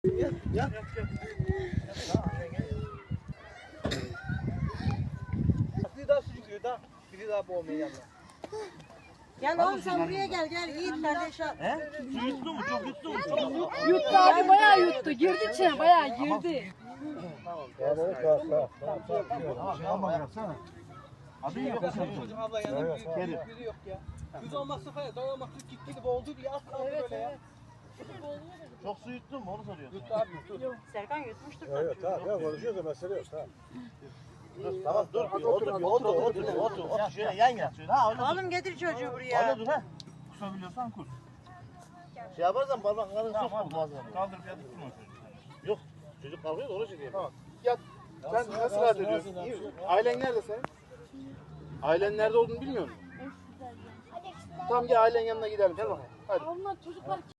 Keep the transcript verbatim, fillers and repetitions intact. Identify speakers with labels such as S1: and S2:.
S1: Gel, gel. Bir daha sucuk daha. Biri daha boğmaya yanına.
S2: Gel oğlum sen buraya gel gel Yiğit kardeş al.
S1: He? Su yuttu mu? Çok yuttu mu? Çok yuttu.
S3: Yuttu abi bayağı yuttu. Girdi içine bayağı girdi.
S1: Tamam.
S4: Tamam yapsana.
S1: Adı yok. Çocuk abla yanında biri, biri yok ya. Yüz olmazsa falan dayanmak tut gitti boğuldu diye az kaldı böyle ya.
S4: Çok su yuttun mu onu soruyorsun.
S1: Yuttu abi yuttu.
S2: Serkan yutmuştur.
S5: Evet tamam ya konuşuyoruz da mesele yok tamam.
S4: Dur, tamam dur. Otur otur otur otur otur otur. Şöyle yan yat şöyle. Ha öyle dur.
S2: Oğlum getir çocuğu buraya.
S4: Öyle dur ha. Kusabiliyorsan kus. Şey yaparsan parmaklarını sok boğazına.
S1: Kaldırıp yatıp durma çocuğu.
S4: Yok. Çocuk kalkıyor da öyle şey diyor.
S5: Tamam. Yat. Sen nasıl rahat ediyorsun? İyi mi? Ailen nerede senin? Ailen nerede olduğunu bilmiyor musun? Tamam gel ailen yanına gidelim. Gel bakayım. Hadi.
S3: Onlar çocuklar